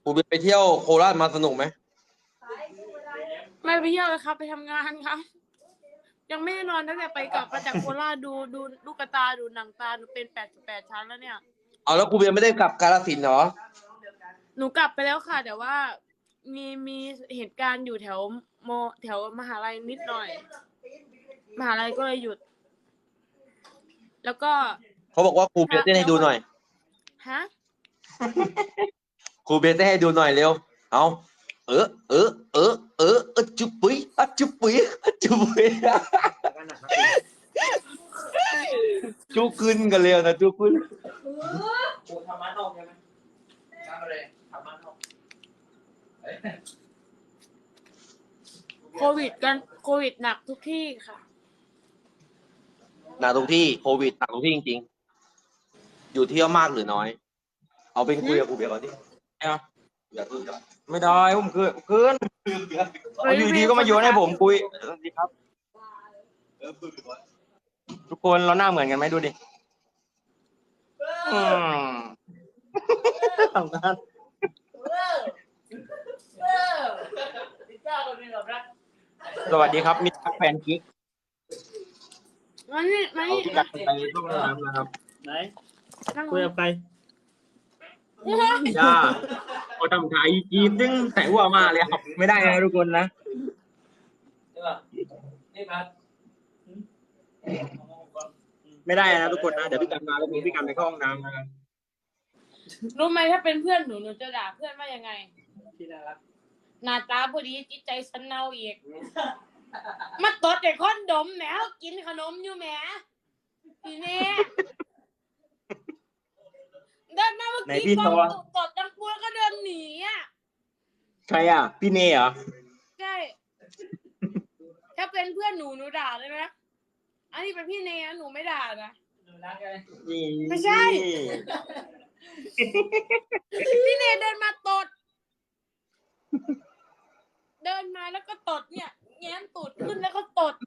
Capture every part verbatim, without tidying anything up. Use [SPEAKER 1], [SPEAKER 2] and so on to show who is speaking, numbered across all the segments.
[SPEAKER 1] ครูเบียร์ไปเที่ยวโคราชมาสนุกไหม
[SPEAKER 2] ไม่ไปเที่ยวเลยครับ ไปทำงานครับ ยังไม่ได้นอนตั้งแต่ไปกลับมาจากโคราชดูดูลูกตาดูหนังตาดูเป็นแปดสิบแปดชั้นแล้วเนี่ย
[SPEAKER 1] เอาแล้วครูเบียร์ไม่ได้กลับกาฬสินธุ์เหรอ
[SPEAKER 2] หนูกลับไปแล้วค่ะแต่ว่ามีมีเหตุการณ์อยู่แถวโมแถวมหาลัยนิดหน่อยมหาลัยก็เลยหยุด แล้วก็
[SPEAKER 1] เขาบอกว่าครูเบียร์เต้นให้ดูหน่อย
[SPEAKER 2] ฮะ
[SPEAKER 1] ครูเบียร์เต้นให้ดูหน่อยเร็วเอาเออเออเออเออเออจุ๊บปุ้ยอะจุ๊บปุ้ยอะจุ๊บปุ้ยจุ๊บขึ้นกันเร็วนะจุ๊บขึ้น
[SPEAKER 3] ครูทำมานอกใช่ไหมทำอะไรทำมานอก
[SPEAKER 2] โควิดกันโควิดหนักทุกที่ค่ะ
[SPEAKER 1] หนักตรงที่โควิดหนักตรงที่จริงๆอยู่เที่ยวมากหรือน้อยเอาเป็นคุยกับครูเบียร์ก่อนดิเอาอย่าพึ่งก่อน
[SPEAKER 4] ไม่ได้ผมคือคืนอยู่ดีก็มาโยนให้ผมคุยสวัสดีครับทุกคนเราหน้าเหมือนกันไหมดูดิทำงานสวัสดีครับมิตรแฟนกิ๊ก
[SPEAKER 2] มานี่มานี่
[SPEAKER 4] ที่กันไปร่วมน้ำนะครับ
[SPEAKER 3] ไหนคุยกับใคร
[SPEAKER 4] จ้าเขาทำถ่ายจีบซึ่งแต่หัวมาเลยครับไม่ได้นะทุกคนนะ
[SPEAKER 3] นี่พัด
[SPEAKER 4] ไม่ได้นะทุกคนนะเดี๋ยวพี่กันมาแล้วพี่กันไปเข้าห้องน้ำนะครับ
[SPEAKER 2] รู้ไหมถ้าเป็นเพื่อนหนูหนูจะด่าเพื่อนว่ายังไง
[SPEAKER 3] ที่น่ารัก
[SPEAKER 2] หน้าตาพอดีจิตใจสันเนาอีกมาตดแต่คอนดมแหมกินขนมอยู่แหมทีนี้เดินมาเมื่อกี้ตดตดจังปัวก็เดินหนีอ่ะ
[SPEAKER 4] ใครอ่ะพี่เนยเหรอ
[SPEAKER 2] ใช่ถ้าเป็นเพื่อนหนูหนูด่าเลยนะอันนี้เป็นพี่เนยหนูไม่ด่านะไม่ใช่พี่เนยเดินมาตดเดินมาแล้วก็ตดเนี่ยแง้มตูดขึ้นแล้วก็ตด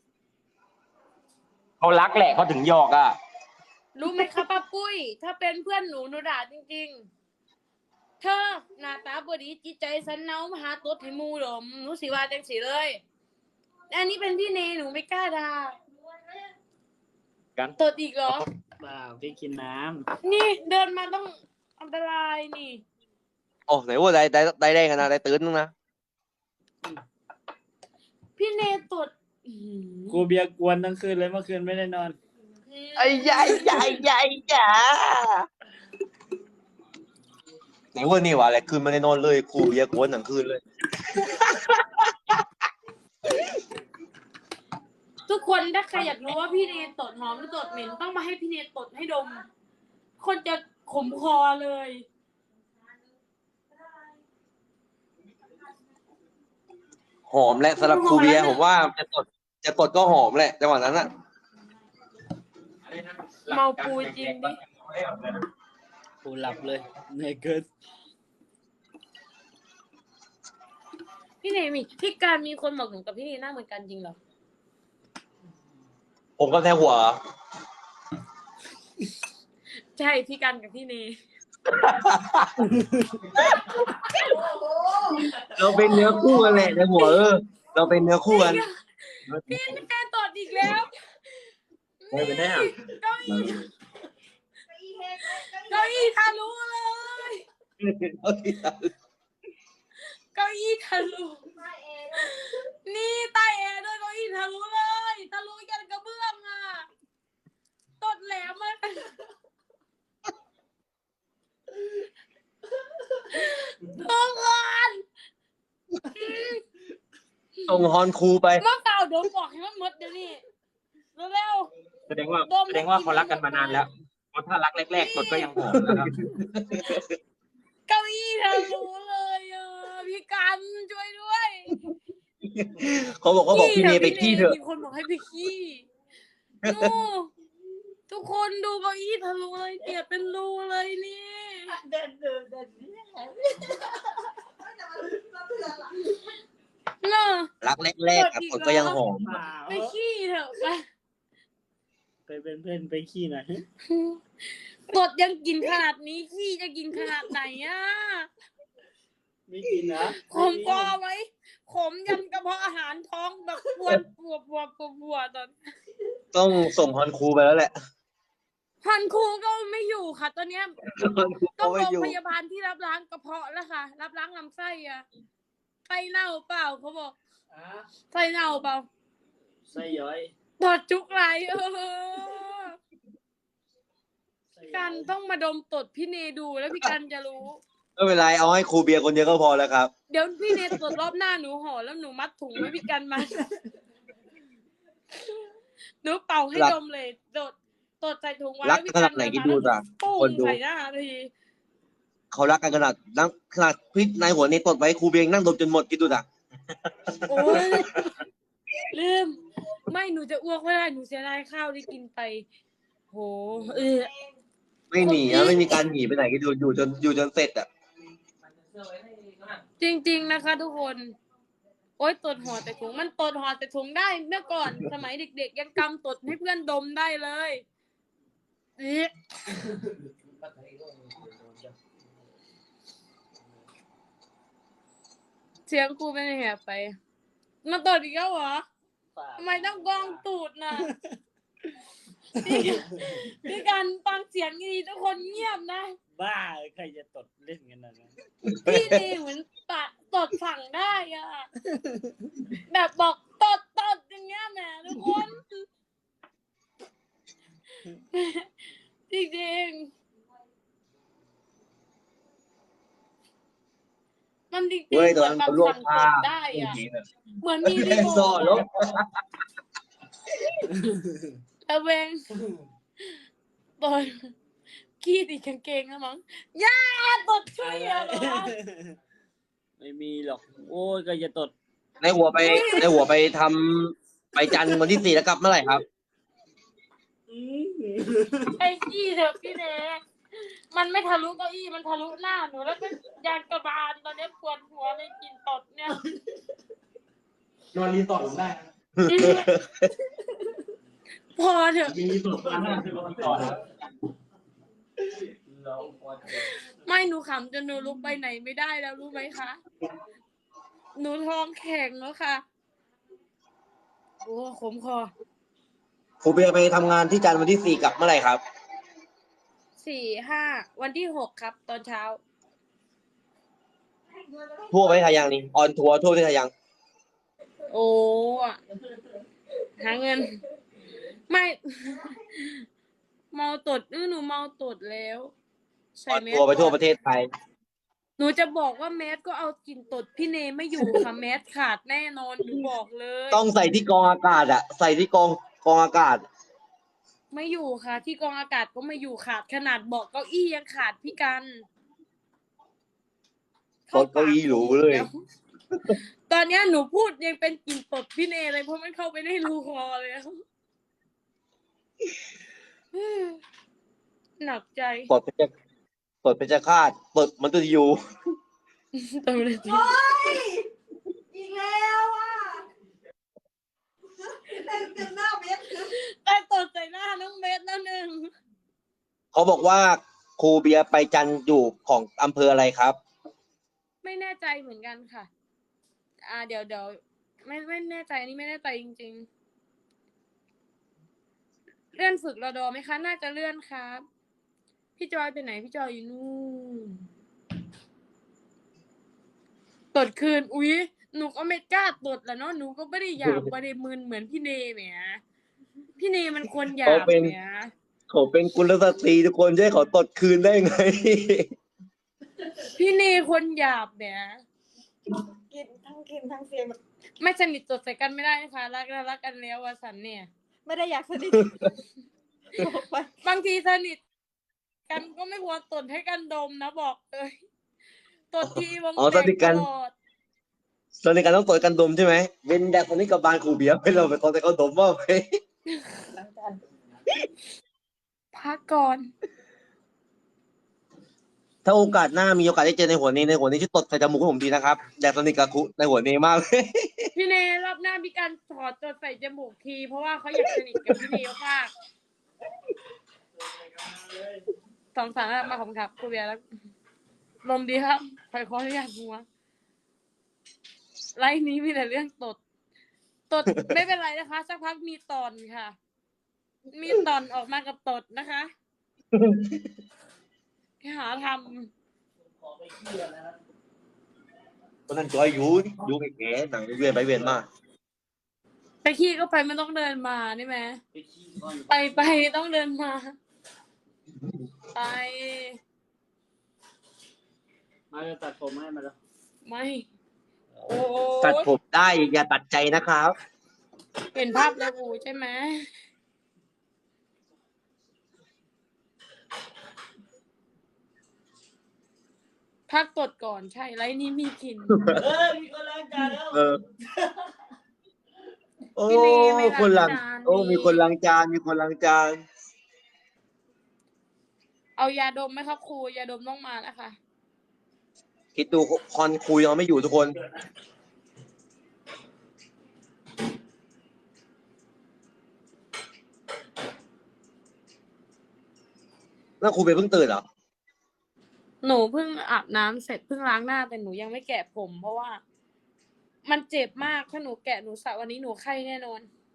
[SPEAKER 4] เขารักแหละเขาถึงหยอกอ่ะ
[SPEAKER 2] รู้ไหมคะป้าปุ้ยถ้าเป็นเพื่อนหนูหนูด่าจริงๆเธอหน้าตาบดีจิตใจสันเนามาหาตดให้มูหรอหนูสิว่าจังสิเลยอันนี้เป็นพี่เนยหนูไม่กล้าด่า
[SPEAKER 4] กัน
[SPEAKER 2] ตดอีกเหรอ
[SPEAKER 3] เปล่าพี่กินน้
[SPEAKER 2] ำนี่เดินมาต้องอันตรายนี่
[SPEAKER 1] โอ้ไหนว่าได้ได้ได้ได้กันนะได้ตื่นนึงนะ
[SPEAKER 2] พี่เนยตด
[SPEAKER 3] กูเบียร์กวนทั้งคืนเลยเมื่อคืนไม่ได้นอน
[SPEAKER 1] ไอ้ใหญ่ใหญ่ใหญ่จ๋าไหนว่านี่วะอะไรคืนไม่ได้นอนเลยครูเบียร์กวนทั้งคืนเลย
[SPEAKER 2] ทุกคนถ้าใครอยากรู้ว่าพี่เนยตดหอมหรือตดเหม็นต้องมาให้พี่เนยตดให้ดมคนจะขมคอเลย
[SPEAKER 1] หอมแหละสำหรับครูเบียร์ผมว่าจะตดจะตดก็หอมแหละจังหวะนั้นอะ
[SPEAKER 2] เมาปูจริงดิ
[SPEAKER 3] ปูหลับเลยเหนื่อยเกิน
[SPEAKER 2] พี่เนยมีพี่การมีคนบอกหนูกับพี่เนยหน้าเหมือนกันจริงเหรอ
[SPEAKER 1] ผมก็แท้หัว
[SPEAKER 2] ใช่พี่การกับพี่เนย
[SPEAKER 1] เราเป็นเนื้อคู่กันแหละในหัวเออเราเป็นเนื้อคู่กัน
[SPEAKER 2] พี่แม่ตดอีกแล้ว
[SPEAKER 4] ไม่เป็นแน่
[SPEAKER 2] เก้าอี้เก้าอี้ทะลุเลยเก้าอี้ทะลุนี่ใต้แอร์ด้วยเก้าอี้ทะลุเลยทะลุยันกระเบื้องอ่ะตดแหลมมันต้องก่อน
[SPEAKER 1] ส่งฮอนครูไป
[SPEAKER 2] เมื่อเก่าโดนบอกให้มันหมดเดี๋ยวนี้เร็ว
[SPEAKER 4] แสดงว่าแสดงว่าเขารักกันมานานแล้วเพราะถ้ารักแรกๆตดก็ยังหอมนะครับ
[SPEAKER 2] เก้าอี้ทะลุเลยอ่ะพี่กันช่วยด้วย
[SPEAKER 1] เขาบอกเขาบอกพี่เนยไปขี้เถอะ
[SPEAKER 2] มีคนบอกให้ไปขี้ทุกคนดูเก้าอี้ทะลุเลยเปียกเป็นรูเลยนี่เดินเดินเดินเนอะ
[SPEAKER 1] รักแรกๆตดก็ยังหอม
[SPEAKER 2] ไปขี้เถอะไป
[SPEAKER 3] ไปเป็นเพื่อนไปขี้หน่อย
[SPEAKER 2] ตดยังกินขนาดนี้ขี้จะกินขนาดไหนอ่ะ
[SPEAKER 3] มีกินนะ
[SPEAKER 2] ขมกอไว้ขมยันกระเพาะอาหารท้องแบบปวดปวดปวดปวดปวดตอน
[SPEAKER 1] ต้องส่งฮอนครูไปแล้วแหละ
[SPEAKER 2] พันครูก็ไม่อยู่ค่ะ ตอนเนี้ย
[SPEAKER 1] ฮอนครู
[SPEAKER 2] ต้อ
[SPEAKER 1] ก็
[SPEAKER 2] ง
[SPEAKER 1] ไม่
[SPEAKER 2] โรง
[SPEAKER 1] อยู่
[SPEAKER 2] พยาบาลที่รับล้างกระเพาะแล้วค่ะ รับล้างลำไส้อะไส้เน่าเปล่าเขาบอก
[SPEAKER 3] อ่ะ
[SPEAKER 2] ไส้เน่าเปล่า
[SPEAKER 3] ไส้ย้อย
[SPEAKER 2] ปวดจุกไหลเออ
[SPEAKER 3] ไส้ย้
[SPEAKER 2] กั
[SPEAKER 3] อย
[SPEAKER 2] นต้องมาดมตดพี่เนดูแล้วพี่กันจะรู้
[SPEAKER 1] ไม่เป็นไรเอาให้ครูเบียร์คนเดียวก็พอแล้วครับ
[SPEAKER 2] เดี๋ยวพี่เนตดรอบหน้าหนูห่อแล้วหนูมัดถุงไว้พี่กันมาหนูเป่าให้
[SPEAKER 1] รัก
[SPEAKER 2] ดมเลยตดตดใส่ถุงไว้
[SPEAKER 1] รัก
[SPEAKER 2] พี่
[SPEAKER 1] ขนาดไหนคิดดูจ้ะ
[SPEAKER 2] ปุ้
[SPEAKER 1] คน
[SPEAKER 2] ง
[SPEAKER 1] ดู
[SPEAKER 2] ใส่หน้าที
[SPEAKER 1] เขารักกันขนาดนั่งขนาดพี่นายหัวเนตดไว้ครูเบียร์ยังนั่งดมจนหมดคิดดูจ้ะ
[SPEAKER 2] โอ้ยลืมไม่หนูจะอ้วกไม่ได้หนูเสียดายข้าวที่กินไป โหเออ
[SPEAKER 1] ไม่หนีอะไม่มีการหนีไปไหนคิดดูอยู่จนอยู่จนเสร็จอ่ะ
[SPEAKER 2] จริง ๆนะคะ ทุกคน โอ๊ยตดห่อแต่ถุงมันตดห่อแต่ถุงได้เมื่อก่อน สมัยเด็กๆยังกำตดให้เพื่อนดมได้เลยเอ๊ะเสียงครูเป็นแหบไป มาตดอีกแล้วเหรอทำไมต้องกองตูดน่ะพี่พี่กันฟังเสียงดีๆทุกคนเงียบนะ
[SPEAKER 3] บ้าใครจะตดเล่นกันนะ
[SPEAKER 2] พี่ดีเหมือนปะตดสั่งได้อะแบบบอกตดตดอย่างเงี้ยแหมทุกคนจริงๆมันจริงๆ
[SPEAKER 1] เว้ย
[SPEAKER 2] เห
[SPEAKER 1] ตอ
[SPEAKER 2] มื
[SPEAKER 1] น
[SPEAKER 2] อน
[SPEAKER 1] นั้น
[SPEAKER 2] แบบ
[SPEAKER 1] เขาลวก
[SPEAKER 2] สั่ง
[SPEAKER 1] ผ้า
[SPEAKER 2] ตดได้อะเหมือนมีรีโม
[SPEAKER 1] ซ่อ
[SPEAKER 2] ท
[SPEAKER 1] แล้ว
[SPEAKER 2] ระเวงตดขี้ติดกางเกงแล้วมั้งย่าตดช่วยอะเหรอ
[SPEAKER 3] ไม่มีหรอก โอ้ยใครจะตด
[SPEAKER 1] ในหัวไปในหัวไปทำไปจันทร์วันที่สี่แล้วกลับเมื่อไหร่ครับ
[SPEAKER 2] ไอ้ขี้เถอะพี่เนมันไม่ทะลุเก้าอี้มันทะลุหน้าหนูแล้วก็ยางกระบาลตอนนี้ปวดหัวเลยกินตดเนี่ย
[SPEAKER 3] นอนรีสอร์ทผมได้นะ
[SPEAKER 2] พอเถอะ
[SPEAKER 3] มีรีสอร์ทมาหน้าคือรีสอร์ทนะเราพอ
[SPEAKER 2] ไม่หนูขำจนหนูลุกไปไหนไม่ได้แล้วรู้ไหมคะหนูท้องแข็งแล้วค่ะโอ้ขมคอ
[SPEAKER 1] ครูเบียร์ไปทำงานที่จันทร์วันที่สี่กลับเมื่อไหร่ครับ
[SPEAKER 2] สี่ห้าวันที่หกครับ ตอนเช้า
[SPEAKER 1] ทั่วประเทศไทยยังนี่ออนทัวร์ทั่วประเทศไทยยัง
[SPEAKER 2] โอ้อะหาเงิน ไม่ เมาตดเออหนูเมาตดแล้ว
[SPEAKER 1] อ
[SPEAKER 2] ใส่
[SPEAKER 1] อน
[SPEAKER 2] แม
[SPEAKER 1] ทัวร์ไปทั่วป
[SPEAKER 2] ก่อน
[SPEAKER 1] ระเทศไทย
[SPEAKER 2] หนูจะบอกว่าแมสก็เอากลิ่นตดพี่เนไม่อยู่ค่ะ แมสขาดแน่นอนหนูบอกเลย
[SPEAKER 1] ต้องใส่ที่กองอากาศอะใส่ที่กองกองอากาศ
[SPEAKER 2] ไม่อยู่ค่ะ ที่กองอากาศก็ไม่อยู่ขาดขนาดเบาะเก้าอี้ยังขาดพี่กัน
[SPEAKER 1] ตดเก้าอี้หรูเลย
[SPEAKER 2] ดี๋วตอนเนี้ยหนูพูดยังเป็นกลิ่นตดพี่เนเลยเพราะมันเข้าไปในรูคอเลยอะหนักใจ
[SPEAKER 1] ตดเป็นจะตดเป็นจะคาดตดมันตัวอยู่
[SPEAKER 2] ตดเลย
[SPEAKER 5] อีกแล้วอ่ะเล่นกันหน้าเม็ดคือ
[SPEAKER 2] แต่ตดใส่หน้าน้องเบสแล้วหนึ่ง
[SPEAKER 1] เขาบอกว่าครูเบียร์ไปจันทร์อยู่ของอำเภออะไรครับ
[SPEAKER 2] ไม่แน่ใจเหมือนกันค่ะ อ่า เดี๋ยวเดี๋ยวไม่ไม่แน่ใจอันนี่ไม่แน่ใจจริงๆ เลื่อนฝึกรอดอไหมคะ น่าจะเลื่อนครับ พี่จอยไปไหน พี่จอยอยู่นู่นตดคืน อุ๊ย หนูก็ไม่กล้าตดแหละเนาะ หนูก็ไม่ได้หยาบไม่ได้มึนเหมือนพี่เนแหมพี่เนมันคนหยาบ
[SPEAKER 1] เขาเป็น
[SPEAKER 2] แหม
[SPEAKER 1] เขาเป็นกุลสตรีทุกคนจะให้เขาตดคืนได้ไง
[SPEAKER 2] พี่เนคนหยาบแหม
[SPEAKER 5] กินทั้งกินทั้งเสียงแบบ
[SPEAKER 2] ไม่สนิทตดใส่กันไม่ได้นะคะรักแล้วรักกันแล้ววะสันเนี่ย
[SPEAKER 5] ไม่ได้อยากสนิทบอกไป
[SPEAKER 2] บางทีสนิทกันก็ไม่ควรตดให้กันดมนะบอกเลยตดทีวง
[SPEAKER 1] อ๋อ
[SPEAKER 2] แต
[SPEAKER 1] ส
[SPEAKER 2] ก
[SPEAKER 1] นิทกัน
[SPEAKER 2] ตลอด
[SPEAKER 1] ตอนนี้การต้องตดกันดมใช่ไหมเว้นแดกคนนี้กับบานครูเบียร์ให้เราไปตอนแต่เขาดมว่าไหม
[SPEAKER 5] หลังจาก
[SPEAKER 2] พักก่อน
[SPEAKER 1] ถ้าโอกาสหน้ามีโอกาสได้เจอในหัวเนในหัวเนช่วยตดใส่จมูกให้ผมทีนะครับแดกสนิทกับครูในหัวเนมากเลย
[SPEAKER 2] พี่เนรอบหน้ามีการถอดตดใส่จมูกทีเพราะว่าเขาอยากสนิทกับพี่เนมากสองสามมาผมครับครูเบียร์แล้วลมดีครับใครขออนุญาตหัวไลฟ์นี้มีแต่เรื่องตด ตด ไม่เป็นไรนะคะ สักพักมีตอนค่ะ มีตอนออกมากับตดนะคะหาท
[SPEAKER 3] ขอไปเที่ยวแล้วนะ
[SPEAKER 1] คนนั้นจอยอยู่อยู่ไปแก่หนังเวียนไปเวียนมา
[SPEAKER 2] ำไปขี้ก็ไปไม่ต้องเดินมานี่ไหม
[SPEAKER 3] ไปขี้ก่อน
[SPEAKER 2] ไปไปต้องเดินมา ไป
[SPEAKER 3] มาจะตัดผมให้มาแล้ว
[SPEAKER 2] ไม่ โอ้
[SPEAKER 1] ตัดผมได้อย่าตัดใจนะครับ
[SPEAKER 2] เห็นภาพแล้วกูใช่ไหมพักตดก่อนใช่ไรนี่มีกลิ่น
[SPEAKER 3] เออมีคนล้างจานแล้ว
[SPEAKER 1] เออ โอ้
[SPEAKER 2] พี่เนยไม่ล้าง
[SPEAKER 1] คนล้าง
[SPEAKER 2] จาน
[SPEAKER 1] โอ้
[SPEAKER 2] นี่
[SPEAKER 1] มีคนล้างจานมีคนล้างจาน
[SPEAKER 2] เอายาดมไหมครับครูยาดมต้องมานะคะ
[SPEAKER 1] คิดดูคอนคุยยังไม่อยู่ทุกคนแล้วครูเป็นเพิ่งตื่นเหรอ
[SPEAKER 2] หนูเพิ่งอาบน้ำเสร็จเพิ่งล้างหน้าแต่หนูยังไม่แกะผม เพราะว่า มันเจ็บมากถ้าหนูแกะหนูสระวันนี้หนูไข้แน่นอน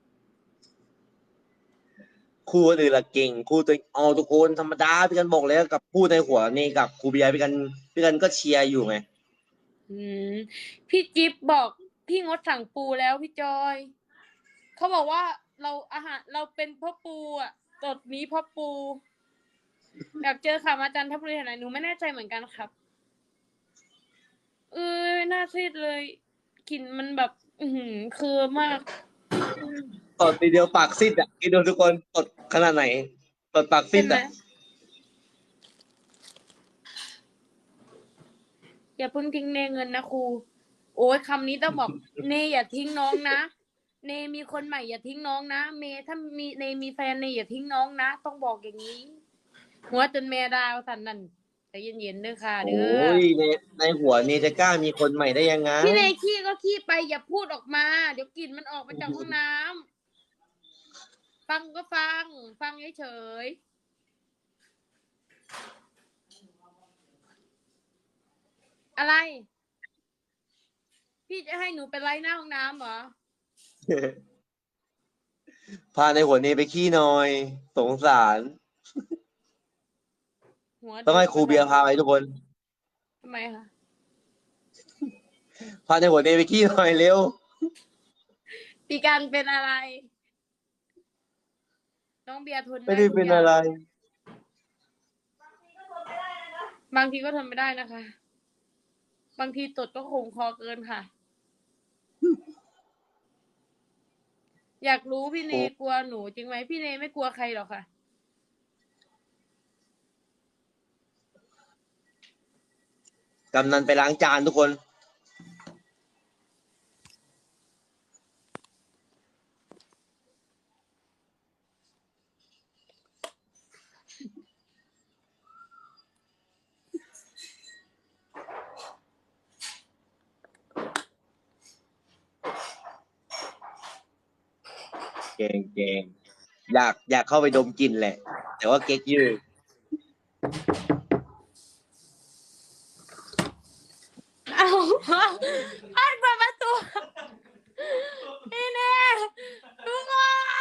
[SPEAKER 1] ครูคนอื่นละเก่งครูตัวเอาทุกคนธรรมดาพี่กันบอกแล้วกับพูดในหัวนี่กับครูเบียร์พี่กันพี่กันก็เชียร์อยู่ไง
[SPEAKER 2] อืมพี่จิ๊บบอกพี่งดสั่งปูแล้วพี่จอยเขาบอกว่าเราอาหารเราเป็นพ่อปูอ่ะตดนี้พ่อปูอยากเจอค่ะอาจารย์ทัพบุรีไหนหนูไม่แน่ใจเหมือนกันครับเออน่าซีดเลยกลิ่นมันแบบ อือหือคือมาก
[SPEAKER 1] ตดทีเดียวปากซิดอ่ะคิดดูทุกคนตดขนาดไหนตดปากซิ
[SPEAKER 2] ใช่
[SPEAKER 1] ด
[SPEAKER 2] ไหม
[SPEAKER 1] อ่ะ
[SPEAKER 2] อย่าเพิ่งทิ้งเนเงินนะครูโอ้ยคำนี้ต้องบอก เนอย่าทิ้งน้องนะเนมีคนใหม่อย่าทิ้งน้องนะเมถ้ามีเนมีแฟนเนอย่าทิ้งน้องนะต้องบอกอย่างนี้ หัวจนแม่ดาวสันนั่นใจเย็นๆเด้อค่ะ
[SPEAKER 1] โอ
[SPEAKER 2] เด้อ้
[SPEAKER 1] ยในในหัวนี่จะกล้ามีคนใหม่ได้ยังไง
[SPEAKER 2] พี่เนขี้ก็ขี้ไปอย่าพูดออกมา เดี๋ยวกลิ่นมันออกมาจากห้องน้ำฟังก็ฟัง ฟังเฉยๆอะไร พี่จะให้หนูไปไล่หน้าห้องน้ำเหรอ
[SPEAKER 1] พาในหัวนี้ไปขี้หน่อย สงสาร
[SPEAKER 2] หัว
[SPEAKER 1] ต้องให้ครูเบียร์พาไปทุกคน
[SPEAKER 2] ทำไมคะ
[SPEAKER 1] พาในหัวนี้ไปขี้หน่อยเร็ว
[SPEAKER 2] ปีการเป็นอะไร น้องเบียร์ทน
[SPEAKER 1] ไม่ได้
[SPEAKER 2] ทุก
[SPEAKER 1] เป็น
[SPEAKER 2] ย่าง
[SPEAKER 1] อะไร
[SPEAKER 2] บางทีก็ทนไม่ได้นะคะ บางทีตดก็คงคอเกินค่ะ อยากรู้พี่เน
[SPEAKER 1] โอ้
[SPEAKER 2] กลัวหนูจริงไหมพี่เนไม่กลัวใครหรอกค่ะ
[SPEAKER 1] กำนันไปล้างจานทุกคน เก่งเก่งอยากอยากเข้าไปดมกลิ่นแหละ แต่ว่าเก๊กยืด
[SPEAKER 2] เอาให้เปิดประตูพี่เนทุกคน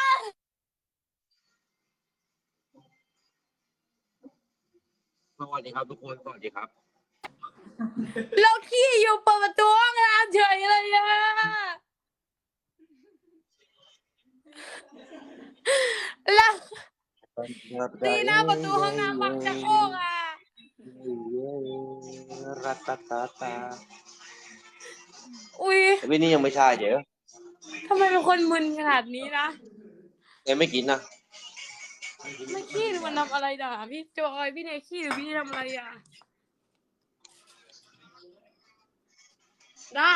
[SPEAKER 1] สวัสดีครับทุกคน สวัสดีครับ
[SPEAKER 2] เราขี้อยู่เปิดประตูห้องน้ำเฉยเลยอะแล้วตีหน้าประตูห้องน้ำบังจะโคกอ่ะ
[SPEAKER 1] รัตตาตาตา
[SPEAKER 2] อุ้ย
[SPEAKER 1] วินนี่ยังไม่ใช่เดี๋ยว
[SPEAKER 2] ทำไมเป็นคนมึนขนาดนี้นะ
[SPEAKER 1] ยังไม่กินนะ
[SPEAKER 2] ไม่ขี้หรือมันทำอะไรด่าพี่จอยพี่เนยขี้หรือพี่ทำอะไรอ่ะ ได้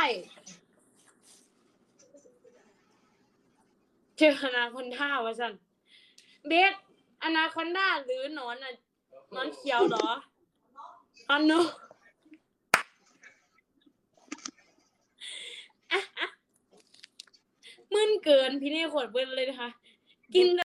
[SPEAKER 2] เจออนาคอนด้าวะสันเบสอนาคอนด้าหรือหนอนอ่ะหนอนเขียวเหรออันนู้มึนเกินพี่เน่ขวดเบิ้ลเลยนะคะ กิน